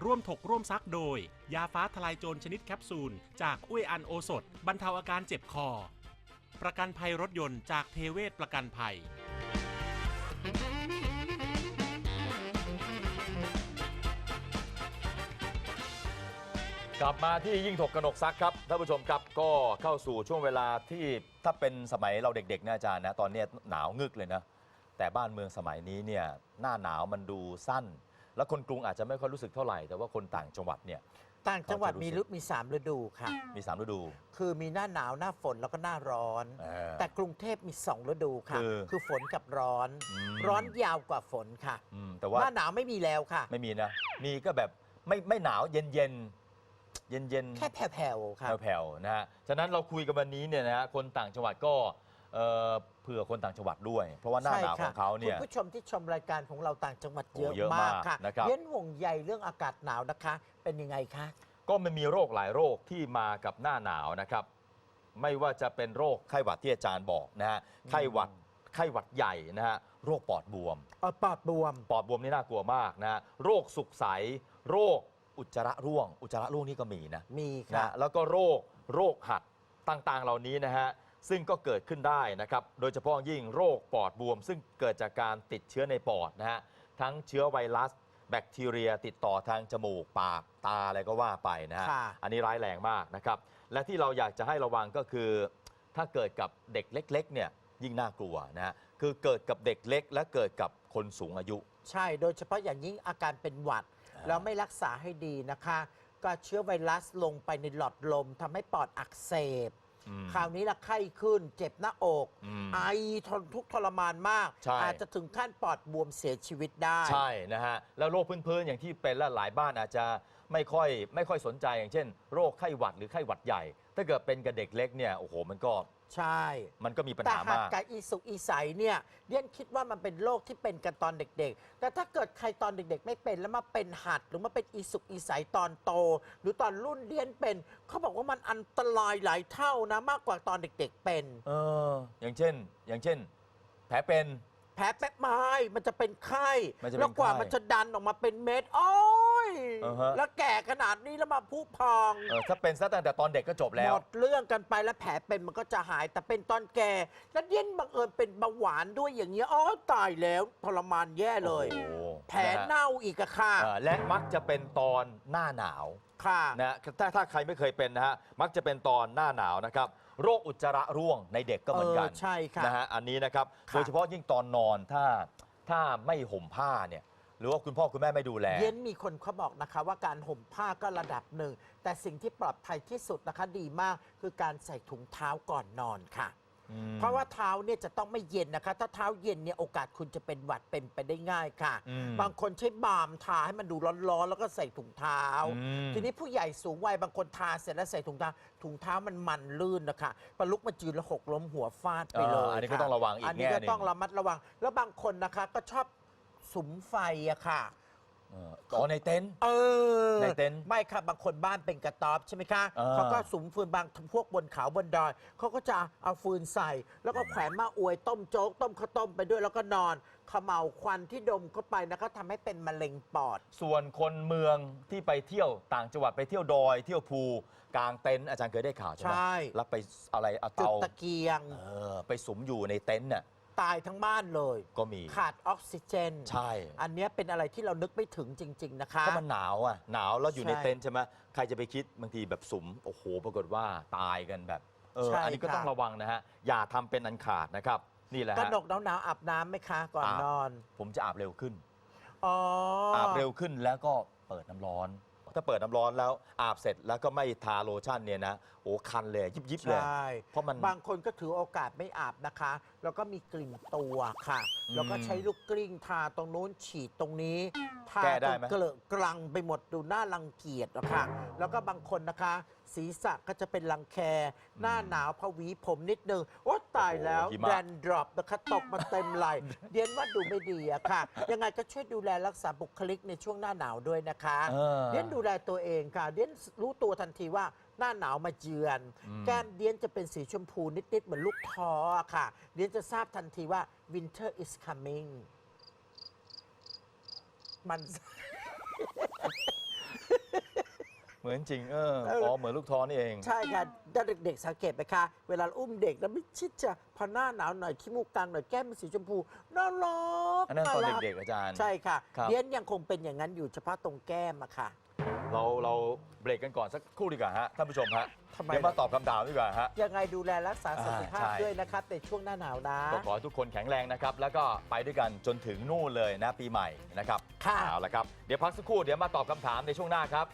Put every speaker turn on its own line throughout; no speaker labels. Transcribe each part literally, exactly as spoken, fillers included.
ร่วมถกร่วมซักโดยยาฟ้าทลายโจรชนิดแคปซูลจากอุ้ยอันโอสถบรรเทาอาการเจ็บคอประกันภัยรถยนต์จากเทเวศประกันภัย
กลับมาที่ยิ่งถกกนกซักครับท่านผู้ชมครับก็เข้าสู่ช่วงเวลาที่ถ้าเป็นสมัยเราเด็กๆนะอาจารย์นะตอนนี้หนาวงึกเลยนะแต่บ้านเมืองสมัยนี้เนี่ยหน้าหนาวมันดูสั้นแล้วคนกรุงอาจจะไม่ค่อยรู้สึกเท่าไหร่แต่ว่าคนต่างจังหวัดเนี่ย
ต่างจังหวัดมีฤดูมีสามฤดูค่ะ
มีสามฤดู
คือมีหน้าหนาวหน้าฝนแล้วก็หน้าร้อนแต่กรุงเทพมีสองฤดูค่ะคือคือฝนกับร้อนร้อนยาวกว่าฝนค่ะแต่ว่าหน้าหนาวไม่มีแล้วค่ะ
ไม่มีนะมีก็แบบไม่ไม่หนาวเย็นเย็นเย็นเย็น
แค่แผ่วๆค่ะ
แผ่วๆนะฮะฉะนั้นเราคุยกันวันนี้เนี่ยนะฮะคนต่างจังหวัดก็เผื่อคนต่างจังหวัดด้วยเพราะว่าหน้าหนาวของเขาเนี่ย
คุณผู้ชมที่ชมรายการของเราต่างจังหวัดเยอะมากค่ะเย็นห่วงใยเรื่องอากาศหนาวนะคะเป็นยังไงคะ
ก็มันมีโรคหลายโรคที่มากับหน้าหนาวนะครับไม่ว่าจะเป็นโรคไข้หวัดที่อาจารย์บอกนะฮะไข้หวัดไข้หวัดใหญ่นะฮะโรคปอดบวม
ปอดบวม
ปอดบวมนี่น่ากลัวมากนะฮะโรคสุกใสโรคอุจจาระร่วงอุจจาระร่วงนี่ก็มีนะ
มี
นะแล้วก็โรคโรคหัดต่างๆเหล่านี้นะฮะซึ่งก็เกิดขึ้นได้นะครับโดยเฉพาะยิ่งโรคปอดบวมซึ่งเกิดจากการติดเชื้อในปอดนะฮะทั้งเชื้อไวรัสแบคทีเรียติดต่อทางจมูกปากตาอะไรก็ว่าไปนะฮะอันนี้ร้ายแรงมากนะครับและที่เราอยากจะให้ระวังก็คือถ้าเกิดกับเด็กเล็กๆเนี่ยยิ่งน่ากลัวนะฮะคือเกิดกับเด็กเล็กและเกิดกับคนสูงอายุ
ใช่โดยเฉพาะอย่างยิ่งอาการเป็นหวัดแล้วไม่รักษาให้ดีนะคะก็เชื้อไวรัสลงไปในหลอดลมทำให้ปอดอักเสบคราวนี้ละไข้ขึ้นเจ็บหน้าอกไอทนทุกข์ทรมานมากอาจจะถึงขั้นปอดบวมเสียชีวิตได้
ใช่นะฮะแล้วโรคพื้นๆอย่างที่เป็นและหลายบ้านอาจจะไม่ค่อยไม่ค่อยสนใจอย่างเช่นโรคไข้หวัดหรือไข้หวัดใหญ่ถ้าเกิดเป็นกับเด็กเล็กเนี่ยโอ้โหมันก็
ใช่
มันก็มีปัญหามาก
แต่หากกับอีสุกอีใสเนี่ยเดียนคิดว่ามันเป็นโรคที่เป็นกันตอนเด็กๆแต่ถ้าเกิดใครตอนเด็กๆไม่เป็นแล้วมาเป็นหัดหรือมาเป็นอีสุกอีใสตอนโตหรือตอนรุ่นเดียนเป็นเขาบอกว่ามันอันตรายหลายเท่านะมากกว่าตอนเด็กๆเป็น
เอออย่างเช่นอย่างเช่นแผลเป็น
แผลแป๊บไม้มันจะเป็นไข้แล้วกว่ามันจะดันออกมาเป็นเม็ดโอ้ยแล้วแก่ขนาดนี้แล้วมาพุพอง
ถ้าเป็นซะตั้งแต่ตอนเด็กก็จบแล้ว
หมดเรื่องกันไปแล้วแผลเป็นมันก็จะหายแต่เป็นตอนแก่แล้วเย็นบังเอิญเป็นเบาหวานด้วยอย่างเงี้ยอ๋อตายแล้วทรมานแย่เลยแผลเน่าอีกอะค่ะ
และมักจะเป็นตอนหน้าหนาว
ค่ะ
นะถ้าถ้าใครไม่เคยเป็นนะฮะมักจะเป็นตอนหน้าหนาวนะครับโรคอุจจาระร่วงในเด็กก็เหมือนกัน
ใช่ค่ะ
นะฮะอันนี้นะครับโดยเฉพาะยิ่งตอนนอนถ้าถ้าไม่ห่มผ้าเนี่ยหรือว่าคุณพ่อคุณแม่ไม่ดูแล
เย็นมีคนเขาบอกนะคะว่าการห่มผ้าก็ระดับหนึ่งแต่สิ่งที่ปลอดภัยที่สุดนะคะดีมากคือการใส่ถุงเท้าก่อนนอนค่ะเพราะว่าเท้าเนี่ยจะต้องไม่เย็นนะคะถ้าเท้าเย็นเนี่ยโอกาสคุณจะเป็นหวัดเป็นไปได้ง่ายค่ะบางคนใช้บาล์มทาให้มันดูร้อนๆแล้วก็ใส่ถุงเท้าทีนี้ผู้ใหญ่สูงวัยบางคนทาเสร็จแล้วใส่ถุงเท้าถุงเท้ามันมันลื่นนะคะปลุกมาจืนแล้วหกล้มหัวฟาดไปเลย
อันนี้ก็ต้องระวังอีกแง่นึง
อันนี้ก็ต้องระมัดระวังแล้วบางคนนะคะก็ชอบสุมไฟอะค่ะ
อ๋อในเต็นท์
เออ
ในเต็นท์
ไม่ค่ะบางคนบ้านเป็นกระต๊อบใช่ไหมคะเขาก็สุมฟืนบางพวกบนเขาบนดอยเขาก็จะเอาฟืนใส่แล้วก็แขวนมาอวยต้มโจ๊กต้มข้าวต้มไปด้วยแล้วก็นอนเขม่าวควันที่ดมเข้าไปนะก็ทำให้เป็นมะเร็งปอด
ส่วนคนเมืองที่ไปเที่ยวต่างจังหวัดไปเที่ยวดอยเที่ยวภูกลางเต็นท์อาจารย์เคยได้ข่าวใช่ไหมแล้วไปอะไรเอาเตา
ตะเกียง
ไปสุมอยู่ในเต็นท์น่ะ
ตายทั้งบ้านเลย
ก็มี
ขาดออกซิเจน
ใช่
อันนี้เป็นอะไรที่เรานึกไม่ถึงจริงๆนะคะ
เพราะมันหนาวอ่ะหนาวแล้วอยู่ในเต็นท์ใช่ไหมใครจะไปคิดบางทีแบบสุมโอ้โหปรากฏว่าตายกันแบบเอออันนี้ก็ต้องระวังนะฮะอย่าทำเป็นอันขาดนะครับนี่แหละ
กระดกหนาวๆอาบน้ำไหมคะก่อนนอน
ผมจะอาบเร็วขึ้น
อ๋อ
อาบเร็วขึ้นแล้วก็เปิดน้ำร้อนถ้าเปิดน้ำร้อนแล้วอาบเสร็จแล้วก็ไม่ทาโลชั่นเนี่ยนะโอ้คันเลยยิบยิบเลย
เพราะมันบางคนก็ถือโอกาสไม่อาบนะคะแล้วก็มีกลิ่นตัวค่ะแล้วก็ใช้ลูกกลิ้งทาตรงนู้นฉีดตรงนี้ทาจนเกลอะกลังไปหมดดูน่ารังเกียจอะค่ะแล้วก็บางคนนะคะศีรษะก็จะเป็นรังแคหน้าหนาวพวีผมนิดนึงโอ้ตายแล้วแดนดรอปนะคะตกมาเต็มไหล่เดียนว่าดูไม่ดีอะค่ะยังไงก็ช่วยดูแลรักษาบุคลิกในช่วงหน้าหนาวด้วยนะคะเดียนดูแลตัวเองค่ะเดียนรู้ตัวทันทีว่าหน้าหนาวมาเยือนแก้มเดียนจะเป็นสีชมพูนิดๆเหมือนลูกท้อค่ะเดียนจะทราบทันทีว่า winter is coming มัน
เหมือนจริงเออ
เออ
อ๋อเหมือนลูกท้อนี่เอง
ใช่ค่ะถ้าเด็กๆสังเกตไหมคะ เวลาอุ้มเด็กแล้วไม่ชิดจะพอหน้าหนาวหน่อยขี้มูกกลางหน่อยแก้มเป็นสีชมพูน่ารัก
อันนั้นตอน
รั
เด็กๆอาจารย์
ใช่ค่ะ
ครับ
เดียนยังคงเป็นอย่างนั้นอยู่เฉพาะตรงแก้มอะค่ะ
เราเราเบรกกันก่อนสักครู่ดีกว่าฮะท่านผู้ชมฮะ
ทำไม
เดี๋ยวมาตอบคำถามดีกว่าฮะ
ยังไงดูแลรักษาสุขภาพ
อ่าใช่
ด้วยนะครับในช่วงหน้าหนาวนะ
ก็ขอให้ทุกคนแข็งแรงนะครับ แล้วก็ไปด้วยกันจนถึงนู่นเลยนะปีใหม่นะครับ
ค่ะ
เอาละครับ เดี๋ยวพักสักครู่เดี๋ยวมาตอบคำถามในช่วงหน้าครับ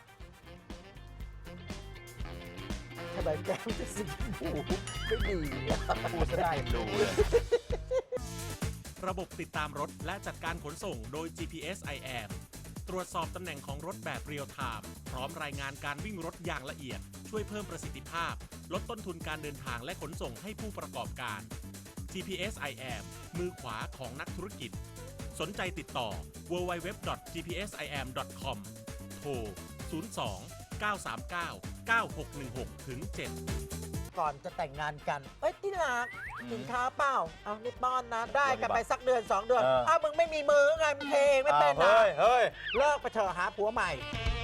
ทำไมแก้มจะสีชมพูไม่ดีอะ
พูดซะได้ยังดูเลย
ระบบติดตามรถและจัดการขนส่งโดย จี พี เอส ไอ แอม ตรวจสอบตำแหน่งของรถแบบเรียลไทม์พร้อมรายงานการวิ่งรถอย่างละเอียด ช่วยเพิ่มประสิทธิภาพ ลดต้นทุนการเดินทางและขนส่งให้ผู้ประกอบการ จี พี เอส ไอ แอม มือขวาของนักธุรกิจ สนใจติดต่อ ดับเบิลยู ดับเบิลยู ดับเบิลยู ดอท จี พี เอส ไอ แอม ดอท คอม โทร ศูนย์ สอง เก้า สาม เก้า เก้า หก หนึ่ง หก ถึง เจ็ด
ก่อนจะแต่งงานกัน เอ้ยที่รัก
อืม
กินข้าวเปล่า เอานี่ป้อนนะ ได้กันไป
ปฏิบัติ
สักเดือนสองเดือน
เออ
อ้าวมึงไม่มีมือไงมึงเพลงไม่เป็น
อ้าว
นะ
เฮ้ยเฮ้ย
เลิกไปเถอะหาผัวใหม่